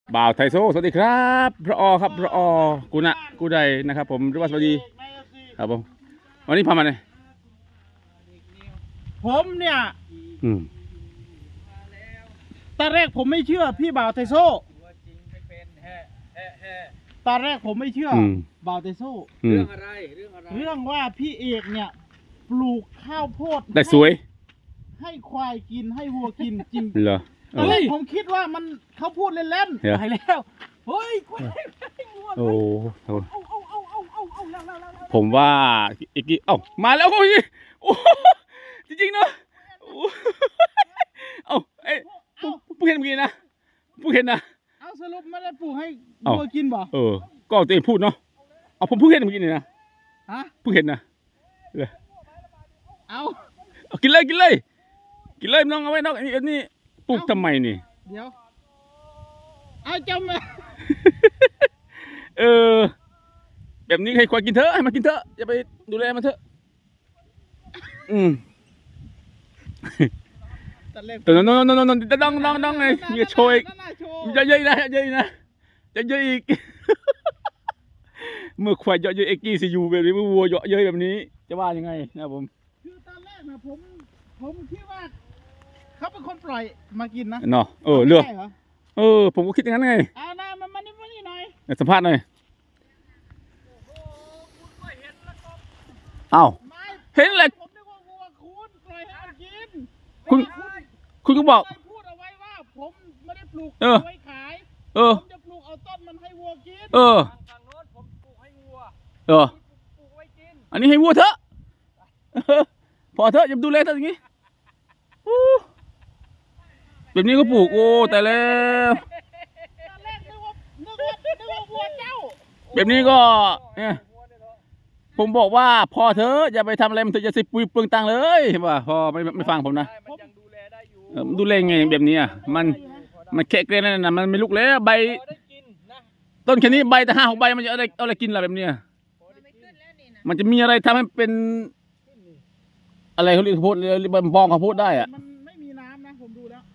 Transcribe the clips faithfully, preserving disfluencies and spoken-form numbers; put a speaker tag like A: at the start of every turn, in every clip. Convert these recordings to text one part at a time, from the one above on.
A: บ่าวไทโซสวัสดีครับพระอครับพระอกุณะกูใดนะครับผมหรือว่าสวัสดีครับผมวันนี้พามาไหน
B: ผมเนี่ย
A: อืม
B: ตอนแรกผมไม่เชื่อพี่บ่าวไทโซตอนแรกผมไม่เชื่อบ่าวไทโซ
A: เรื่
B: องอะไรเรื่องอะไรเรื่องว่าพี่เอกเนี่ยปลูกข้าวโพด
A: ได้สวย
B: ให้ควายกินให้วัวกินจริง
A: เหรอ
B: ตอนแรกผมคิดว่ามันเขาพูดเล่นๆไปแล้วเฮ้ยควาย
A: โอ้ผมว่าอีกทีเอ้ามาแล้วก็ยี่โอ้จริงๆเนาะเอ้าเอ้ผู้เห็นเมื่อกี้นะผู้เห็นนะ
B: เอาสรุปไม่ได้ปลูกให้วัวกินบ่
A: เออก็ตัวเองพูดเนาะเอาผมผู้เห็นเมื่อกี้นี่นะ
B: ฮะ
A: ผู้เห็นนะ
B: เอา
A: กินเลยกินเลยกินเลยน้องเอาไว้น้องอันนี้ปลูกทำไมนี่
B: เดี๋ยวเอาจำมา
A: เออแบบนี้ให้ควายกินเถอะให้มันกินเถอะอย่าไปดูแลมันเถอะอืมแต่น้องน้องน้องน้องน้องน้องน้องน้องไงอย่าโชยอย่าเยอะนะเยอะนะจะเยอะอีกเมื่อควายเยอะเยอะเอ็กกี้ซียูแบบนี้เมื่อวัวเยอะเยอะแบบนี้จะว่ายังไงนะผม
B: คือตอนแรกนะผมผมคิดว่าเขาเป็นคนปล่อยมากินนะ
A: เนาะเออเลือกเออผมก็คิดอย่างนั้นไง
B: เอาหน้ามันมานี่มานี่หน่อย
A: สัมภาษณ์หน่อยอ้าวเห็นเลย
B: ผมนึกว่าวัวคุณปล่อยให้มันกิน
A: คุณคุณก็บอก
B: พูดเอาไว้ว่าผมไม่ได้ปลูกไว้ขาย
A: เออ
B: ผมจะปลูกเอาต้นมันให้วัวกิน
A: เออ
B: ทางโน้นผมปลูกให้วัว
A: เออ
B: ปลูกไว้กิน
A: อันนี้ให้วัวเถอะพอเถอะอย่าดูแลเถอะอย่างนี้แบบนี้ก็ปลูกโอ้แต่แล้วแบบนี้ก็เนี่ยผมบอกว่าพอเถอะอย่าไปทำอะไรมันถึงจะสิปุยเปลืองตังเลยว่าพอไม่ไม่ฟังผมนะดูแลไงแบบนี้อ่ะมันมันแค่เกรนนั่นนะมันไม่ลุกแล้วใบต้นแค่นี้ใบแต่ห้าหกใบมันจะอะไรอะไรกินล่ะแบบนี้มันจะมีอะไรทำให้เป็นอะไรเขาเรียกข้าวโพดเรียกบองข้าวโพดได้อ่ะ
B: มันไม่มีน้ำนะผมดูแล้ว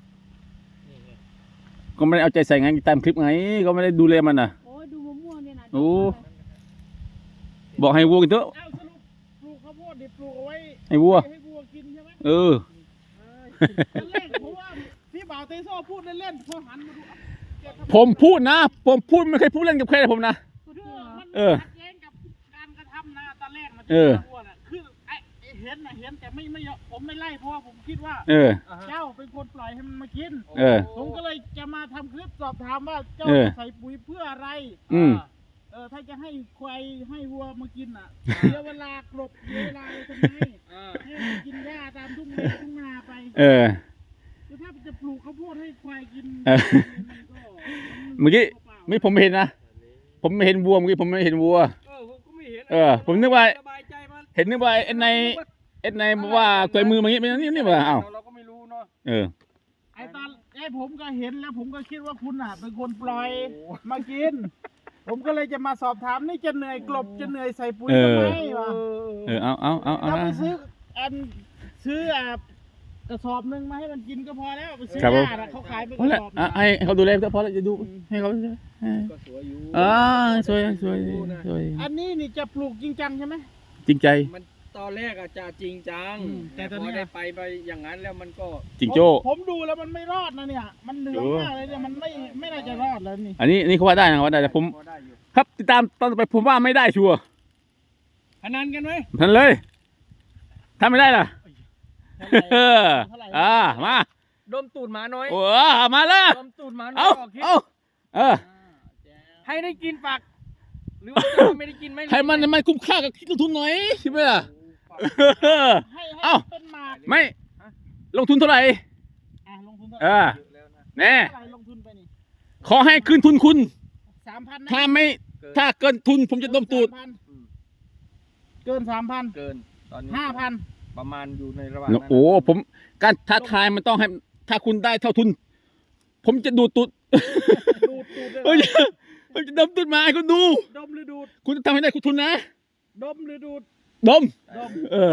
A: ก็ไม่ได้เอาใจใส่ไงตามคลิปไงก็ไม่ได้ดูแลมันอ่ะ
C: โอ้ดูมะม่วงเนี่ยนะ
A: โอ้บอกให้วัวกินเถอะ
B: ปลูกข้าวโพดดิปลูกเอาไว้
A: ให้วัว
B: ให้วัวกินใช่ไหม
A: เออ
B: ตอนแรกผมว่าพี่บ่าวเตโซ่พูดเล่นๆพอหันมาดู
A: ผมพูดนะผมพูดไม่เคยพูดเล่นกับใครผมนะ
B: เออขัดแย้งกับการกระทำนะตอนแรกมันจะวัวน่ะคือไอ้เห็นนะเห็นแต่ไม่ไม่ผมไม่ไล่เพราะว่าผมคิดว่า
A: เออ
B: เจ้าเป็นคนปล่อยให้มันมากิน
A: เออ
B: ผมก็เลยจะมาทำคลิปสอบถามว่าเจ้าใส่ปุ๋ยเพื่ออะไร
A: อืม
B: เออถ้าจะให้ควายให้วัวมากินอ่ะเสียเวลากลบเสียเวลาทำไมให้มันกินหญ้าตามทุ่งนาทุ่งนาไป
A: เออ
B: คือถ้าจะปลูกข้าวโพดให้ควายกิน
A: เมื่อกี้ไม่ผมไม่เห็นนะผมไม่เห็นวัวเมื่อกี้ผมไม่เห็นวัวเออผมนึกว่าเห็นนึกว่าเอ็นในเอ็นในบอกว่าตัวมือมาอย่างนี้เป็นนี่นี่ว่าอ้าว
B: เราก็ไม่รู้เนาะ
A: เออ
B: ไอตอนไอผมก็เห็นแล้วผมก็คิดว่าคุณอ่ะเป็นคนปล่อยมากินผมก็เลยจะมาสอบถามนี่จะเหนื่อยกลบจะเหนื่อยใส่ปุ๋ยทำไมวะ
A: เออเอาเอาเอาเอา
B: ไปซื้ออันซื้ออ่ะกระสอบหนึ่งมาให้มันกินก็พอแล้วไปซื้อหญ้าเขาขายเป็นกระสอบ
A: ให้เขาดูแลก็พอแล้วจะดูให้เขา
B: ก็สวยอยู่
A: อ่าสวยสวยสวย
B: อันนี้นี่จะปลูกจริงจังใช่ไหม
A: จริงใจ
D: มันตอนแรกอาจจะจริงจังแต่พอได้ไปไปอย่างนั้นแล้วมันก็
A: จริงโจ้
B: ผมดูแล้วมันไม่รอดนะเนี่ยมันเหนื่อยมากเลยเนี่ยมันไม่ไม่น่าจะรอดแล้วนี่
A: อันนี้นี่เขาว่าได้นะว่าได้แต่ผมครับติดตามตอนต่อไปผมว่าไม่ได้ชัวร์
B: พนันกันไหม
A: พนันเลยถ้าไม่ได้ล่ะเอออ่ามา
D: ดมตูดหมาน้อย
A: โอ้มาเลย
D: ดมตูดหมาน้
A: อยเอาเออ
D: ให้ได้กินฝักหรือว่าไม่ได้กินไหม
A: ให้มันมันคุ้มค่ากับคิดลงทุนหน่อยใช่ไหมล่ะเอ้าไม่ลงทุนเท่าไหร่เออแน่ขอให้คืนทุนคุณถ้าไม่ถ้าเกินทุนผมจะดมตูด
B: เกินสามพัน
D: เกินตอนนี้
B: ห้าพัน
D: ประมาณอยู่ในระหว่าง
A: โอ้ผมการท้าทายมันต้องให้ถ้าคุณได้เท่าทุนผมจะดูดตูดผมจะดมตูดมาให้คุณดู
B: ดมหรือดูด
A: คุณจะทำให้ได้คุณทุนนะ
B: ดมหรือดูด
A: ดม
B: ดม
A: เออ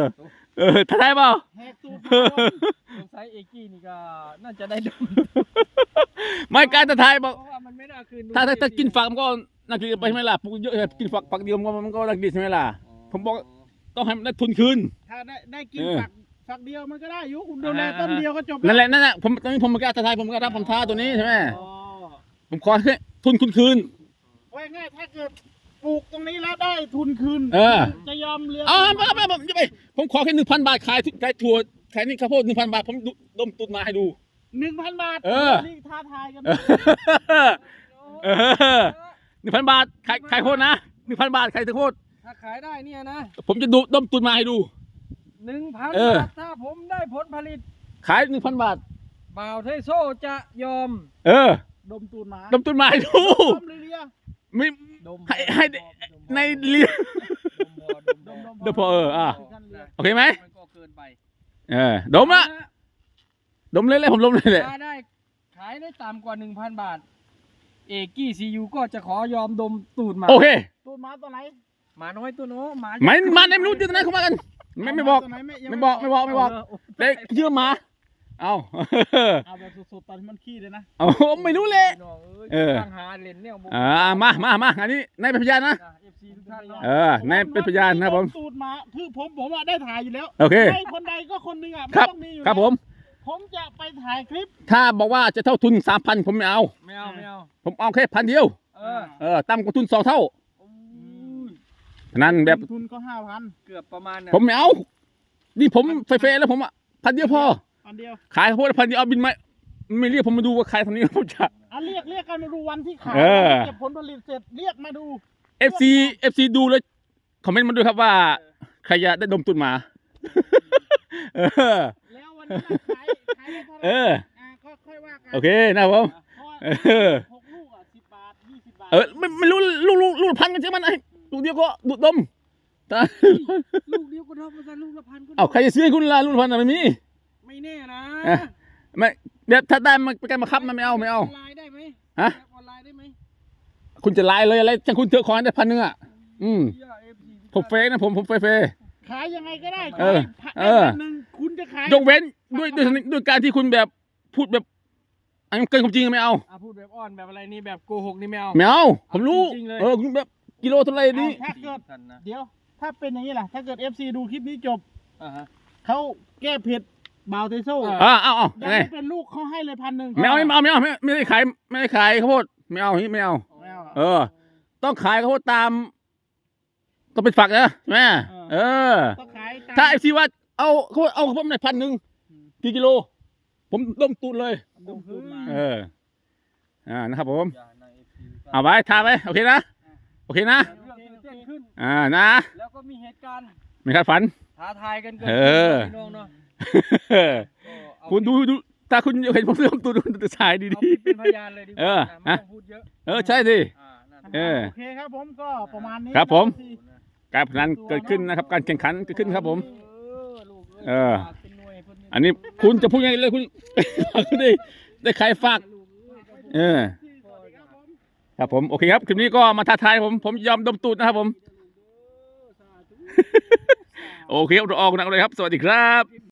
A: เออท้าทายเปล่า
B: แหกตูด
D: สงสัยเอกี้นี่ก็น่าจะได้ดม
A: ไม่การท้าทายบอก
D: เพราะว่ามันไม่น่าคืน
A: ถ้าถ้าถ้ากินฝักมันก็น่ากินไปใช่ไหมล่ะปลูกเยอะกินฝักฝักเดียวมันก็มันก็น่ากินใช่ไหมล่ะผมบอกต้องให้มันได้ทุนคืน
B: ถ้าได้ได้กิน
A: เออ
B: ฝักฝักเดียวมันก็ได้อยู่คุณดูแลต้นเดียวก็จบ
A: นั่นแหละนั่นแหละผมตอนนี้ผมไม่กล้าท้าทายผมก็รับผมท้าตัวนี้ใช่ไหม
B: อ๋อ
A: ผมขอแค่ทุนคุณคืน
B: ไว้ง่ายถ้าเกิดปลูกตรงนี้แล้วได้ทุนคืน
A: เออ
B: จะยอมเลี้ยง
A: อ๋อไม่ไม่ไม่ไม่ผมขอแค่หนึ่งพันบาทขายขายถั่วขายนี่ข้าวโพดหนึ่งพันบาทผมดมตุนมาให้ดู
B: หนึ่งพันบาท
A: เออ
B: นี่ท้าทายกัน
A: เออหนึ่งพันบาทขายขายโคตรนะหนึ่งพันบาทขายโคตร
D: ถ้าขายได้เนี่ยนะ
A: ผมจะดูดมตุนมาให้ดู
D: หนึ่งพัน
A: เออ
D: บาทถ้าผมได้ผลผลิต
A: ขายหนึ่งพันบาท
D: บ่าวเทโซ่จะยอม
A: เออ
B: ดมตูนหมา
A: ดมตุนมาให้ดู
B: ดมเลีย
A: ไม่
D: ดม
A: ให้ให้ในเรียน
D: ดมดม
A: เดี๋ยวพอเอออ่ะ โอเคไหม
D: มันก็เกินไป
A: เออดมละดมเลยเลยผมดมเลยแหละ
D: ถ้าได้ขายได้ต่ำกว่าหนึ่งพันบาท เอกี้ซียูก็จะขอยอมดมตูดหมา
A: โอเค
B: ตูนหมาตัวไหน
D: หมาน้อยตัวโน้หมา
A: ไม่มาในไม่รู้จะไหนเข้ามากันไม่ไม่บอก
B: ตัวหนยัง
A: ไม่บอกไม่บอกไม่บอก
D: เ
A: เด็กเชื่อหมาเอา
B: เอาแบบสดๆตอนที่มันขี้เลยนะ
A: เอาไม่รู้เลย
D: น้องเอ้ย
A: เออ
D: ตั้งหาเล่นเนี่ยบ่
A: อ่ามามามาอันนี้นายเป็นพยานนะ
D: เอฟซีทุกท่านเนาะ
A: เออนายเป็นพยานนะครับผม
B: ตูดหมาคือผมผมอะได้ถ่ายอยู่แล้ว
A: โอเค
B: ให้คนใดก็คนหนึ่งอะไม่
A: ครับ
B: ต้องมีอยู่
A: ครับ
B: แล้ว
A: ผม
B: ผมจะไปถ่ายคลิป
A: ถ้าบอกว่าจะเท่าทุนสามพันผมไม่เอา
D: ไม่เอาไม่เอา
A: ผมเอาแค่พันเดียว
D: เออ
A: เออต่ำกว่าทุนสองเท่า
D: อุ้ย
A: นั้นแบบ
B: ทุนก็ห้าพัน
D: เกือบประมาณน่ะ
A: ผมไม่เอา นี่ผมเฟๆแล้วผมอ่ะพันเดียวพอ
B: อันเดียว
A: ขายข้าวโพดพันเดียวเอาบินมาไม่เรียกผมมาดูว่าขายเท่านี้ผมจะ
B: อันเรียกเรียกกันมาดูวันที่ขาย
A: เออ
B: เก็บผลผลิตเสร็จเรียกมาดู
A: เอฟซีเอฟซีดูแล้วคอมเมนต์มาด้วยครับว่าใครจะได้ดมตุนหมา เออ
B: แล้ววันนี้เราขายขายได้เท่าไห
A: เอ
B: ร่
A: อ
B: อ่าก็ค่อยว่ากัน
A: โอเคนะครับผม
B: เพราะว่า
A: เออ
B: หกลูกอ่ะสิบบาทยี่สิบบาท
A: เออไม่ไม่รู้ลูกลูกลูกพันกันใช่ไหมไอ้ลูกเดียวก็ดูดดมแต่
D: ลูกเดียวก็ทำมาซะลูกละพันก็
A: เอาใครจะซื้อให้คุณล่ะลูกพันอ่ะไม่มี
D: ไม่แน่นะ
A: เอ๊ะ ไม่เดี๋ยวถ้าได้มันเป็นการบังคับมันไม่เอาไม่เอา
D: ออนไลน์ได้ไหม
A: ฮะ
D: แบบออนไลน์ได้ไหม
A: คุณจะไลน์เลยอะไรจังคุณเถอะขอให้ได้พันหนึ่งอ่ะ อืม
D: เหี้ย เอฟ ซี
A: ผมเฟกนะผมผมเฟกเฟก
B: ขายยังไงก็ได้
A: เออ
B: ขาย
A: เออ
B: พันหนึ่งคุณจะขาย
A: ยกเว้นด้วยด้วยด้วยการที่คุณแบบพูดแบบอันเกินความจริงไม่เอา
D: อ่ะพูดแบบอ้อนแบบอะไรนี่แบบโกหกนี่ไม่เอา
A: ไม่เอา ผมรู้
D: จริงๆเลย
A: เออคุณแบบกิโลเท่าไหรนี่
B: ถ้าเกิด
D: กันนะ
B: เดี๋ยว ถ้าเป็นอย่างนี้ล่ะ ถ้าเกิด เอฟ ซี ดูคลิปนี้จบ
D: อ่าฮะ
B: เขาแก้เผ็ดบาวเทโซ่
D: เอ
A: อ่าเอาเอา
B: ยัง
A: ไง
B: ไม่เป็นลูกเขาให้เลยพันหนึ่ง
A: ไม่เอาไม่เอาไม่เอาไม่ไม่ได้ขายไม่ได้ขายข้าวโพดไม่เอาอย่างนี้ไม่เอา
B: ไม่เอา
A: เออ ต้องขายข้าวโพดตามต้องเป็นฝักนะใช่ไหมเออ
B: ต้องขายตม
A: ถ้าไอซีว่าเอาเขาเอาข้าวโพดในพันหนึ่งกี่กิโล ผมต้มตูดเลย
B: ดมตูดมา
A: เออ อ่านะครับผม
D: อย่าใน เอฟ ซี
A: เอาไว้ทาไว้โอเคนะโอเคนะ
D: เรื่องตื่นเต้นขึ้น
A: อ่านะ
D: แล้วก็มีเหตุการณ์
A: ไม่คาดฝัน
D: ท้าทายกันเกิน
A: เออ
D: พี่น้องเนาะก็เอา
A: คุณดูดูถ้าคุณเห็นผมซื้อตูดดูจะสายดี
D: เอา
A: ดี
D: เป็นพยานเลยดีก
A: เอ
D: ว่า
A: อ
D: นะไม่
A: ฮะ
D: ต้องพูดเยอะ
A: เออใช่สิ
D: อ่านั่น
A: เออ
B: โอเคครับผมก็ประมาณนี้
A: ครับผม
B: นะ
A: การพนันเกิดขึ้นนะครับ การแข่งขันเกิดขึ้นครับผม
D: เออลูก
A: เออ
D: ฝากเป็นหน่วยเพิ่
A: อันนี้คุณจะพูดยังไงเลยคุณ คุณได้ได้ใครฝาก
D: ลูกเอ้ย
A: เออ ครับผมโอเคครับคลิปนี้ก็มาท้าทายผมผมยอมดมตูดนะครับผม โอเคครับเราออกหนักเลยครับ สวัสดีครับ